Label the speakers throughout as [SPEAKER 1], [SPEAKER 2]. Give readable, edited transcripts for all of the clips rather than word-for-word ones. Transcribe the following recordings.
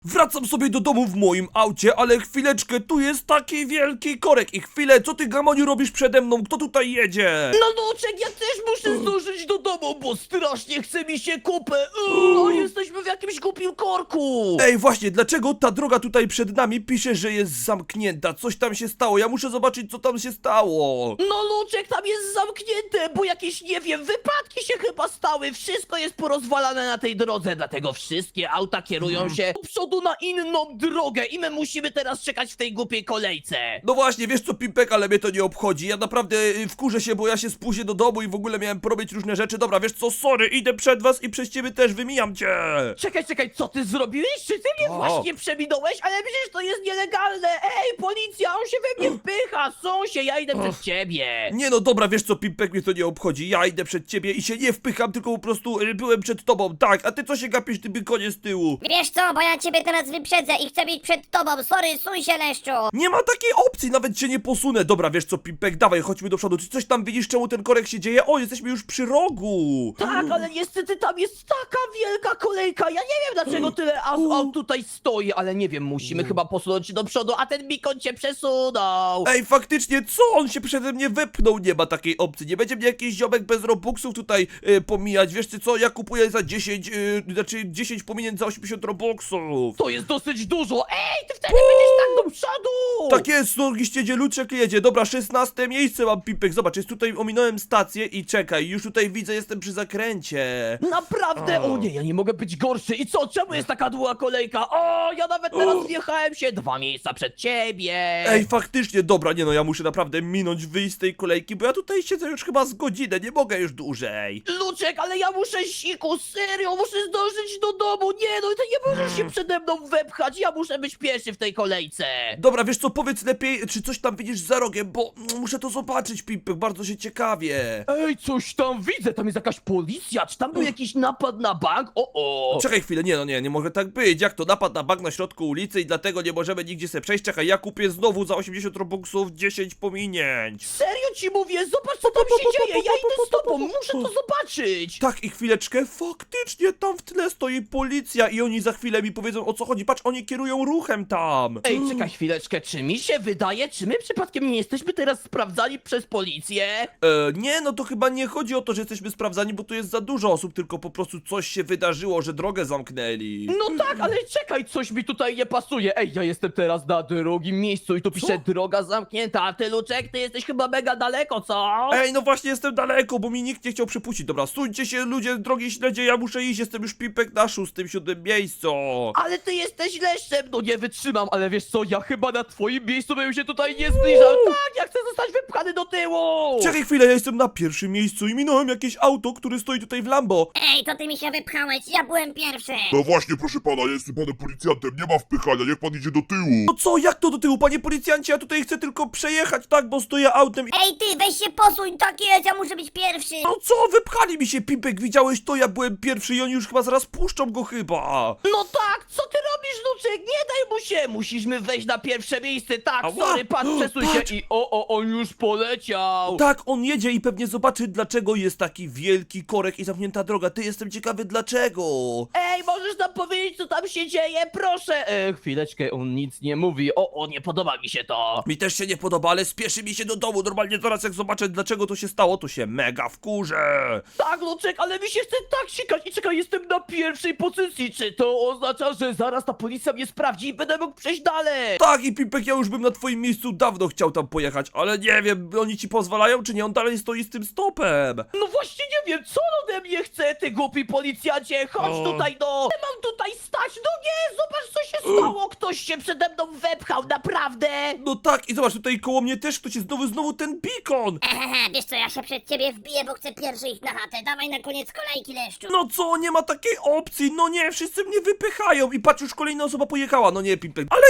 [SPEAKER 1] Wracam sobie do domu w moim aucie, ale chwileczkę, tu jest taki wielki korek. I chwilę, co ty, Gamoniu, robisz przede mną? Kto tutaj jedzie?
[SPEAKER 2] No Luczek, ja też muszę zdążyć do domu, bo strasznie chce mi się kupę. Jesteśmy w jakimś głupim korku.
[SPEAKER 1] Ej, właśnie, dlaczego ta droga tutaj przed nami pisze, że jest zamknięta? Coś tam się stało, ja muszę zobaczyć, co tam się stało.
[SPEAKER 2] No Luczek, tam jest zamknięte, bo jakieś, nie wiem, wypadki się chyba stały. Wszystko jest porozwalane na tej drodze, dlatego wszystkie auta kierują się do przodu na inną drogę i my musimy teraz czekać w tej głupiej kolejce.
[SPEAKER 1] No właśnie, wiesz co, Pimpek, ale mnie to nie obchodzi. Ja naprawdę wkurzę się, bo ja się spóźnię do domu i w ogóle miałem porobić różne rzeczy. Dobra, wiesz co, sorry, idę przed was i przez ciebie też wymijam cię.
[SPEAKER 2] Czekaj, co ty zrobiłeś? Czy ty mnie
[SPEAKER 1] O.
[SPEAKER 2] właśnie przeminąłeś? Ale przecież to jest nielegalne! Ej, policja, on się we mnie wpycha! Sąsie, ja idę przed ciebie!
[SPEAKER 1] Nie no, dobra, wiesz co, Pimpek, mnie to nie obchodzi. Ja idę przed ciebie i się nie wpycham, tylko po prostu byłem przed tobą. Tak, a ty co się gapisz, ty bykonie z tyłu?
[SPEAKER 3] Wiesz co, bo ja ciebie teraz wyprzedzę i chcę być przed tobą, sorry, suń się, leszczu!
[SPEAKER 1] Nie ma takiej opcji, nawet się nie posunę. Dobra, wiesz co, Pimpek, dawaj, chodźmy do przodu. Czy coś tam widzisz, czemu ten korek się dzieje? O, jesteśmy już przy rogu.
[SPEAKER 2] Tak, ale niestety tam jest taka wielka kolejka! Ja nie wiem, dlaczego tyle aut tutaj stoi, ale nie wiem, musimy chyba posunąć się do przodu, a ten bikon cię przesunął!
[SPEAKER 1] Ej, faktycznie, co? On się przede mnie wepchnął, nie ma takiej opcji. Nie będzie mnie jakiś ziomek bez robuxów tutaj pomijać. Wiesz ty co, ja kupuję za 10, znaczy 10 pominięć za 80 robuxów.
[SPEAKER 2] To jest dosyć dużo! Ej, ty wtedy będziesz tak do przodu!
[SPEAKER 1] Tak jest, Norgiście Luczek jedzie. Dobra, 16 miejsce mam, Pipek. Zobacz, jest tutaj, ominąłem stację i czekaj, już tutaj widzę, jestem przy zakręcie.
[SPEAKER 2] Naprawdę? O nie, ja nie mogę być gorszy. I co? Czemu jest taka długa kolejka? O, ja nawet teraz wjechałem się 2 miejsca przed ciebie.
[SPEAKER 1] Ej, faktycznie, dobra, nie no, ja muszę naprawdę minąć, wyjść z tej kolejki, bo ja tutaj siedzę już chyba z godzinę, nie mogę już dłużej.
[SPEAKER 2] Luczek, ale ja muszę siku, serio, muszę zdążyć do domu. Nie, no ty nie możesz się przede mną wepchać. Ja muszę być pierwszy w tej kolejce.
[SPEAKER 1] Dobra, wiesz co, powiedz lepiej, czy coś tam widzisz za rogiem, bo muszę to zobaczyć, Pipek, bardzo się ciekawie.
[SPEAKER 2] Ej, coś tam widzę, tam jest jakaś policja. Czy tam był jakiś napad na bank? O.
[SPEAKER 1] Czekaj chwilę, nie no, nie może tak być, jak to napad na bank na środku ulicy i dlatego nie możemy nigdzie sobie przejść. Czekaj, ja kupię znowu za 80 robuxów 10 pominięć.
[SPEAKER 2] Serio ci mówię, zobacz co tam się dzieje. Ja idę z tobą, muszę to zobaczyć.
[SPEAKER 1] Tak, i chwileczkę, faktycznie tam w tle stoi policja i oni za chwilę mi powiedzą, o co chodzi. Patrz, oni kierują ruchem tam.
[SPEAKER 2] Ej, czekaj chwileczkę, czy mi się wydaje, czy my przypadkiem nie jesteśmy teraz sprawdzani przez policję?
[SPEAKER 1] Nie, no to chyba nie chodzi o to, że jesteśmy sprawdzani, bo tu jest za dużo osób, tylko po prostu coś się wydarzyło, że drogę zamknęli.
[SPEAKER 2] No tak, ale czekaj, coś mi tutaj nie pasuje. Ej, ja jestem teraz na drugim miejscu i tu pisze droga zamknięta, a ty, Luczek, ty jesteś chyba mega daleko, co?
[SPEAKER 1] Ej, no właśnie jestem daleko, bo mi nikt nie chciał przepuścić. Dobra, stójcie się ludzie, drogi śledzie, ja muszę iść, jestem już Pipek na 6., 7. miejscu.
[SPEAKER 2] Ale ty jesteś leszczem, no nie wytrzymam, ale wiesz co, ja chyba na twoim miejscu bym się tutaj nie zbliżał. Tak, ja chcę zostać wypchany do tyłu!
[SPEAKER 1] Czekaj chwilę, ja jestem na 1. miejscu i minąłem jakieś auto, które stoi tutaj w Lambo.
[SPEAKER 3] Ej, to ty mi się wypchałeś, ja byłem pierwszy!
[SPEAKER 4] No właśnie, proszę pana, ja jestem panem policjantem, nie ma wpychania, niech pan idzie do tyłu.
[SPEAKER 1] No co, jak to do tyłu, panie policjancie? Ja tutaj chcę tylko przejechać, tak, bo stoję autem i...
[SPEAKER 3] Ej ty, weź się posuń, tak jest, ja muszę być pierwszy!
[SPEAKER 1] No co, wypchali mi się, Pipek, widziałeś to? Ja byłem pierwszy i oni już chyba zaraz puszczą go chyba.
[SPEAKER 2] No tak, co ty robisz, Luczek? Nie daj mu się! Musimy wejść na pierwsze miejsce, tak,
[SPEAKER 1] Ała.
[SPEAKER 2] sorry, patrz, przesuń
[SPEAKER 1] Patrz.
[SPEAKER 2] się i on już poleciał!
[SPEAKER 1] Tak, on jedzie i pewnie zobaczy, dlaczego jest taki wielki korek i zamknięta droga. Ty, jestem ciekawy, dlaczego.
[SPEAKER 2] Ej, możesz nam powiedzieć, co tam się dzieje? Proszę! Chwileczkę, on nic nie mówi. O, nie podoba mi się to.
[SPEAKER 1] Mi też się nie podoba, ale spieszy mi się do domu. Normalnie zaraz jak zobaczę, dlaczego to się stało, to się mega wkurzę.
[SPEAKER 2] Tak, Luczek, ale mi się chce tak sikać. I czekaj, jestem na pierwszej pozycji. Czy to oznacza, że zaraz ta policja mnie sprawdzi i będę mógł przejść dalej?
[SPEAKER 1] Tak, i Pipek, ja już bym na twoim miejscu dawno chciał tam pojechać, ale nie wiem, oni ci pozwalają, czy nie? On dalej stoi z tym stopem.
[SPEAKER 2] No właśnie nie wiem, co on ode mnie chce, ty głupi policjancie. Chodź
[SPEAKER 1] O.
[SPEAKER 2] tutaj, no. Nie mam tutaj stać. No nie, zobacz, co się stało. Ktoś się przede mną wepchał, naprawdę.
[SPEAKER 1] No tak, i zobacz, tutaj koło mnie też ktoś jest znowu ten beacon.
[SPEAKER 3] Ehehe, wiesz co, ja się przed ciebie wbiję, bo chcę pierwszy ich na chatę, dawaj na koniec kolejki, leszczu!
[SPEAKER 1] No co, nie ma takiej opcji, no nie, wszyscy mnie wypychają i patrz, już kolejna osoba pojechała, no nie, Pipek. Ale chwilę,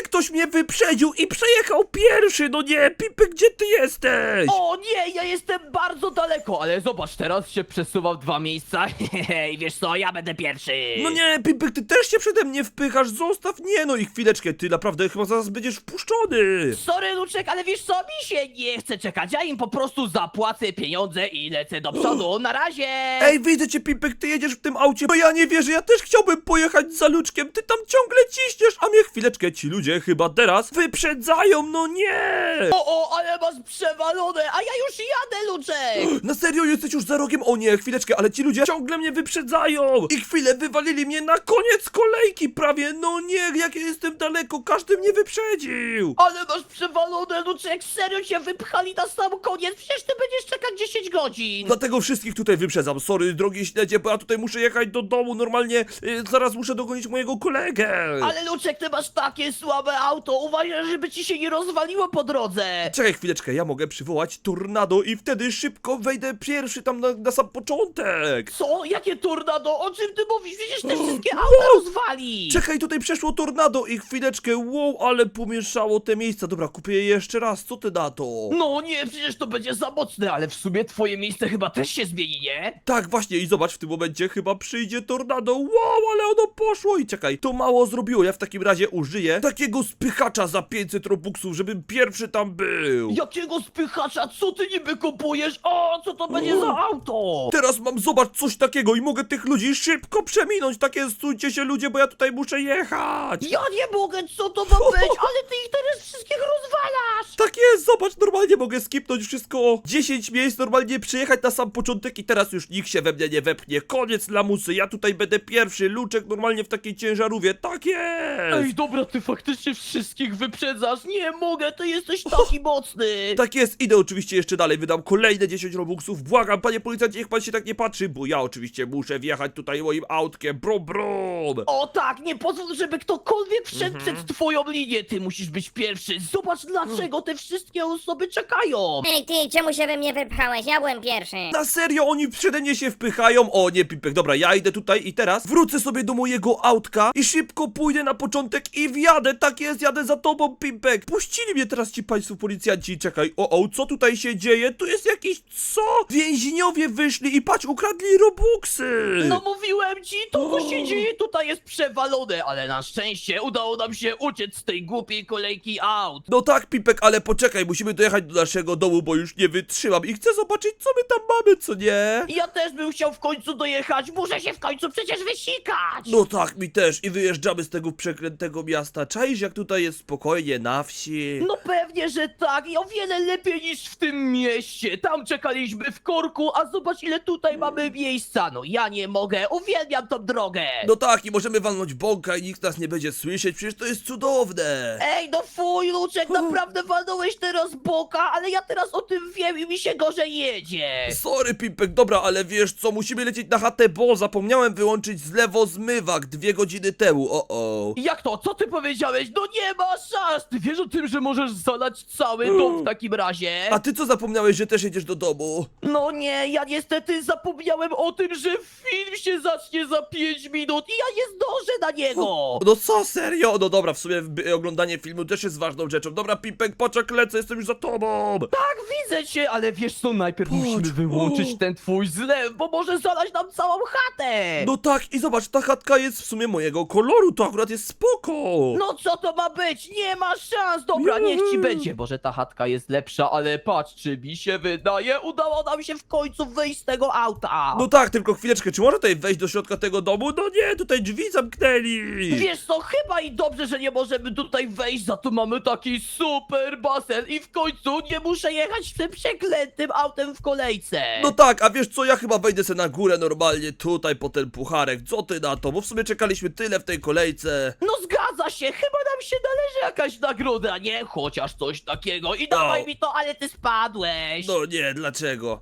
[SPEAKER 1] ktoś mnie wyprzedził i przejechał pierwszy, no nie, Pipek, gdzie ty jesteś?
[SPEAKER 2] O nie, ja jestem bardzo daleko, ale zobacz, teraz się przesuwam 2 miejsca. Hej, wiesz co, ja będę pierwszy.
[SPEAKER 1] No nie, Pipek, ty też się przede mnie wpychasz, zostaw, nie no i chwileczkę, ty naprawdę chyba zaraz będziesz wpuszczony.
[SPEAKER 2] Sorry, Luczek, ale wiesz co, mi się nie chce czekać. Ja im po prostu zapłacę pieniądze i lecę do przodu. Na razie!
[SPEAKER 1] Ej, widzę cię, Pipek, ty jedziesz w tym aucie, bo ja nie wierzę, ja też chciałbym pojechać za Luczkiem, ty tam ciągle ciśniesz, a mnie chwileczkę, ci ludzie chyba teraz wyprzedzają, no nie!
[SPEAKER 2] O, ale masz przewalone, a ja już jadę, Luczek!
[SPEAKER 1] Na serio, jesteś już za rogiem? O nie, chwileczkę, ale ci ludzie ciągle mnie wyprzedzają! I chwilę wywalili mnie na koniec kolejki prawie, no nie, jak ja jestem daleko, każdy mnie wyprzedził!
[SPEAKER 2] Ale masz przewalone, Luczek, serio cię wypchali na sam koniec, przecież ty będziesz czekać 10 godzin!
[SPEAKER 1] Dlatego wszystkich tutaj wyprzedzam, sorry, drogi śledzie, bo ja tutaj muszę jechać do domu, normalnie zaraz muszę dogonić mojego kolegę!
[SPEAKER 2] Ale Luczek, ty masz takie słabe auto, uważaj, żeby ci się nie rozwaliło po drodze!
[SPEAKER 1] Czekaj chwileczkę, ja mogę przywołać tornado i wtedy szybko wejdę pierwszy tam na sam początek!
[SPEAKER 2] Co? Jakie tornado? O czym ty mówisz? Przecież te wszystkie auta rozwali!
[SPEAKER 1] Czekaj, tutaj przeszło tornado i chwileczkę, wow, ale pomieszało te miejsca. Dobra, kupię je jeszcze raz, co ty na to?
[SPEAKER 2] No nie, przecież to będzie za mocne, ale w sumie twoje miejsce chyba też się zmieni, nie?
[SPEAKER 1] Tak, właśnie, i zobacz, w tym momencie chyba przyjdzie tornado, wow, ale ono poszło i czekaj, to mało zrobiło, ja w takim razie użyję takiego spychacza za 500 robuxów, żebym pierwszy tam był.
[SPEAKER 2] Jakiego spychacza? Co ty niby kupujesz? O, co to będzie za auto?
[SPEAKER 1] Teraz mam, zobacz, coś takiego i mogę tych ludzi szybko przeminąć, takie stójcie się ludzie, bo ja tutaj muszę jechać.
[SPEAKER 2] Ja nie mogę, co to ma być? Ale ty ich teraz wszystkich rozwalasz!
[SPEAKER 1] Tak jest, zobacz, normalnie mogę skipnąć wszystko o 10 miejsc, normalnie przyjechać na sam początek i teraz już nikt się we mnie nie wepchnie. Koniec lamusy, ja tutaj będę pierwszy, Luczek normalnie w takiej ciężarówie, tak jest!
[SPEAKER 2] Ej, dobra, ty faktycznie wszystkich wyprzedzasz. Nie mogę, ty jesteś taki mocny.
[SPEAKER 1] Tak jest, idę oczywiście jeszcze dalej, wydam kolejne 10 robuxów, błagam, panie policjancie, niech pan się tak nie patrzy, bo ja oczywiście muszę wjechać tutaj moim autkiem, brum brum!
[SPEAKER 2] O tak, nie pozwól, żeby ktokolwiek wszedł przed twoją linię. Ty musisz być pierwszy. Zobacz, dlaczego te wszystkie osoby czekają.
[SPEAKER 3] Ej ty, czemu się we mnie wypchałeś? Ja byłem pierwszy.
[SPEAKER 1] Na serio, oni przede mnie się wpychają? O nie, Pipek, dobra, ja idę tutaj i teraz wrócę sobie do mojego autka i szybko pójdę na początek i wjadę, tak jest, jadę za tobą, Pipek. Puścili mnie teraz ci państwo policjanci, czekaj, co tutaj się dzieje? Tu jest jakiś, co? Więźniowie wyszli i patrz, ukradli robuxy.
[SPEAKER 2] No mówiłem ci, to co się dzieje tutaj jest przewalone, ale na szczęście udało nam się uciec z tej głupiej kolejki aut.
[SPEAKER 1] No tak, Pipek, ale poczekaj, musimy dojechać do naszego domu, bo już nie wytrzymam i chcę zobaczyć, co my tam mamy, co nie?
[SPEAKER 2] Ja też bym chciał w końcu dojechać, muszę się w końcu przecież wysikać.
[SPEAKER 1] No tak, mi też i wyjeżdżamy z tego przeklętego miasta. Czaisz, jak tutaj jest spokojnie na wsi?
[SPEAKER 2] No pewnie, że tak i o wiele lepiej niż w tym mieście. Tam czekaliśmy w korku, a zobacz ile tutaj mamy miejsca. No ja nie mogę, uwielbiam tą drogę.
[SPEAKER 1] No tak, i możemy walnąć bąka i nikt nas nie będzie słyszeć, przecież to jest cudowne!
[SPEAKER 2] Ej, no fuj, Luczek, naprawdę walnąłeś teraz boka, ale ja teraz o tym wiem i mi się gorzej jedzie.
[SPEAKER 1] Sorry, Pipek, dobra, ale wiesz co, musimy lecieć na chatę, bo zapomniałem wyłączyć zlewozmywak 2 godziny temu,
[SPEAKER 2] Jak to? Co ty powiedziałeś? No nie ma szans! Ty wiesz o tym, że możesz zalać cały dom w takim razie?
[SPEAKER 1] A ty co zapomniałeś, że też jedziesz do domu?
[SPEAKER 2] No nie, ja niestety zapomniałem o tym, że film się zacznie za 5 minut i ja nie zdążę na niego!
[SPEAKER 1] No co, serio? No dobra, w sumie oglądanie filmu też jest ważną rzeczą. Dobra, Pipek, poczek, lecę, jestem już za tobą!
[SPEAKER 2] Tak, widzę cię, ale wiesz co, najpierw musimy wyłączyć ten twój zlew, bo może zalać nam całą chatę!
[SPEAKER 1] No tak, i zobacz, ta chatka jest w sumie mojego koloru, to akurat jest spoko!
[SPEAKER 2] No co to ma być? Nie ma szans! Dobra, niech ci będzie. Boże, ta chatka jest lepsza, ale patrz, czy mi się wydaje, udało nam się w końcu wyjść z tego auta.
[SPEAKER 1] No tak, tylko chwileczkę, czy można tutaj wejść do środka tego domu? No nie, tutaj drzwi zamknęli!
[SPEAKER 2] Wiesz co, chyba i dobrze, że nie możemy tutaj wejść, za to mamy taki super basen i w końcu nie muszę jechać tym przeklętym autem w kolejce.
[SPEAKER 1] No tak, a wiesz co, ja chyba wejdę se na górę normalnie tutaj po ten pucharek, co ty na to? Bo w sumie czekaliśmy tyle w tej kolejce.
[SPEAKER 2] No zgadza się, chyba nam się należy jakaś nagroda, nie? Chociaż coś takiego i dawaj mi to, ale ty spadłeś.
[SPEAKER 1] No nie, dlaczego?